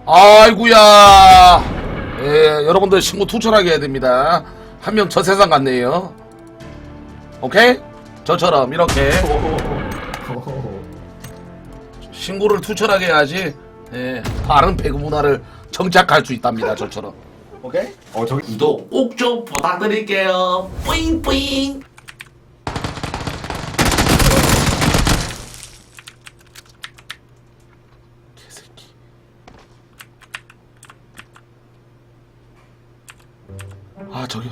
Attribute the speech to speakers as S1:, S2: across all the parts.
S1: 아이구야. 예, 여러분들 신고 투철하게 해야 됩니다. 한 명 저 세상 갔네요. 오케이? 저처럼 이렇게 신고를 투철하게 해야지. 예, 다른 배구 문화를 정착할 수 있답니다. 저처럼. 오케이?
S2: 저기
S1: 구독 꼭 좀 부탁드릴게요. 뿌잉뿌잉. 개새끼. 아 저기요.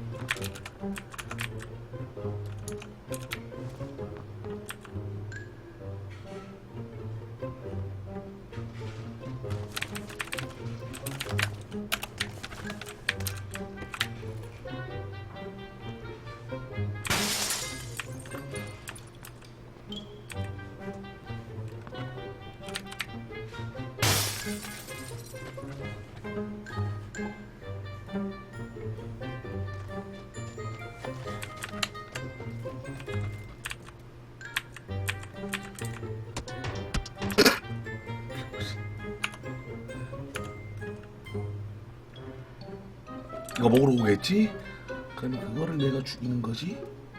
S1: 이거 먹으러 오겠지? 그러면 그거를 내가 죽이는 거지?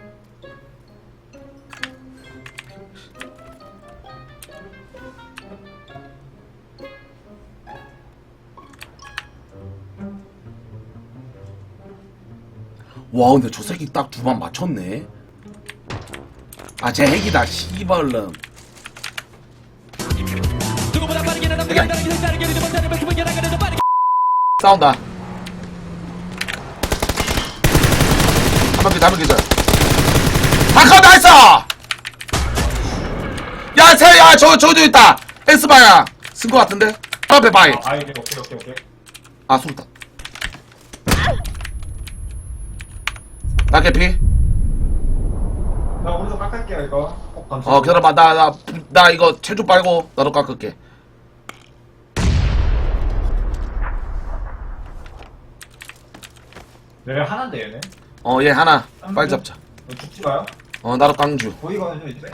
S1: 와 근데 저 새끼 딱 두 번 맞췄네. 아 쟤 핵이다 씨발름. 싸운다. 한번 기절. 아까 나이스! 야, 야, 저기도 있다! S방향! 쓴 거 같은데? 앞에 바이.
S2: 오케이.
S1: 아, 술다. 나 개피?
S2: 나 오른쪽 깎을게요 이거.
S1: 기다려봐. 나 이거 체조 빨고, 나도 깎을게.
S2: 얘네 하나인데 얘네.
S1: 얘 하나. 빨리 잡자.
S2: 죽지 마요.
S1: 나도 깡주.
S2: 보이거든요 이제.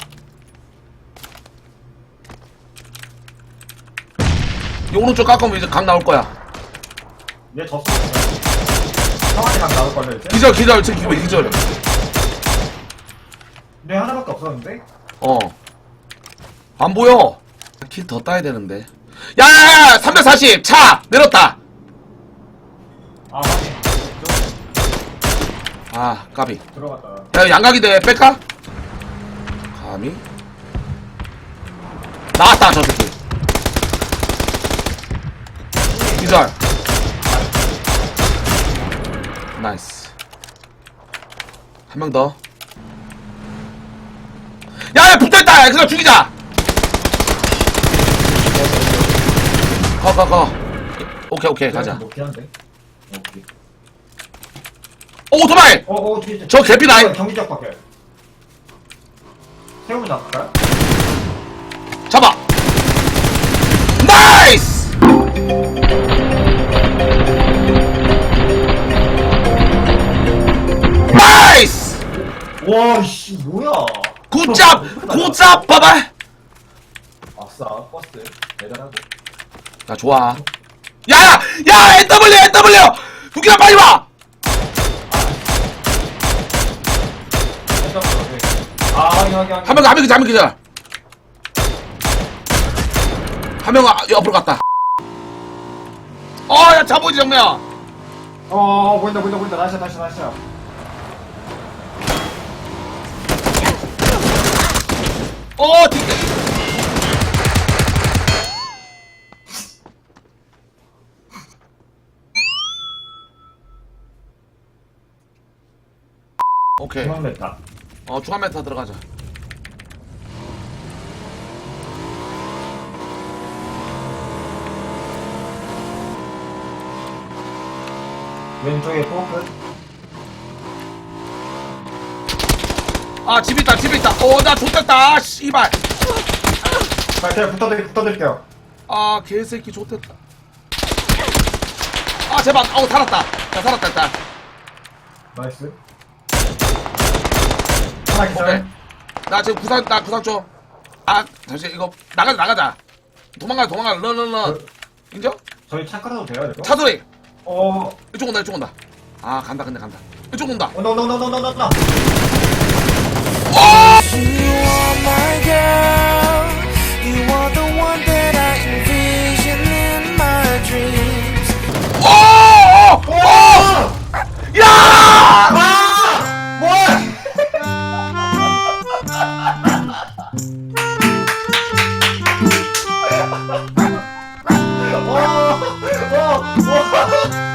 S1: 이 오른쪽 깎으면 이제 각 나올 거야.
S2: 얘 졌어. 상황이 각 나올 걸요 이제.
S1: 기절, 기절.
S2: 얘 하나밖에 없었는데.
S1: 안 보여. 킬 더 따야 되는데. 야! 340! 차! 내렸다!
S2: 아 확인.
S1: 아, 까비.
S2: 들어갔다.
S1: 야, 양각인데, 뺄까? 감히? 나왔다, 저 새끼. 기절. 나이스. 한 명 더. 야, 붙어있다! 그거 죽이자! 거. 오케이, 가자.
S2: 높긴 한데. 오케이.
S1: 오토바이!
S2: 뒤에.
S1: 저 개피 나이.
S2: 경기적 밖에. 세우면 나갈까요?
S1: 잡아! 나이스! 나이스!
S2: 와, 씨, 뭐야?
S1: 굿잡, 봐봐!
S2: 아싸, 버스. 대단하고.
S1: 나 좋아. 야! NW! 두기나 빨리 와!
S2: 확인.
S1: 한 명 기절. 한 명 옆으로 갔다. 야, 잡보이지, 정면.
S2: 보인다. 나이스.
S1: 뒤에. 오케이.
S2: 중앙 메타.
S1: 중앙 메타 들어가자.
S2: 왼쪽에 포크.
S1: 아, 집 있다. 나 좋댔다. 씨발.
S2: 그냥 붙어드릴게요.
S1: 아, 개새끼 좋댔다. 아, 제발. 살았다. 살았다, 일단.
S2: 나이스. 하나 기절.
S1: 오케이. 나 지금 구상 좀. 아, 잠시 이거 나가자. 도망가. 런. 인정?
S2: 저희 차 깔아도 돼요 이거?
S1: 차 소리.
S2: 어
S1: 이쪽 온다, 이쪽 온다. 아, 간다, 근데 간다. 이쪽 온다.
S2: 온다 온다 온다 온다 온다.
S3: You are my girl. You are the one that I envision in my dreams.
S1: 오! 야!
S2: 와!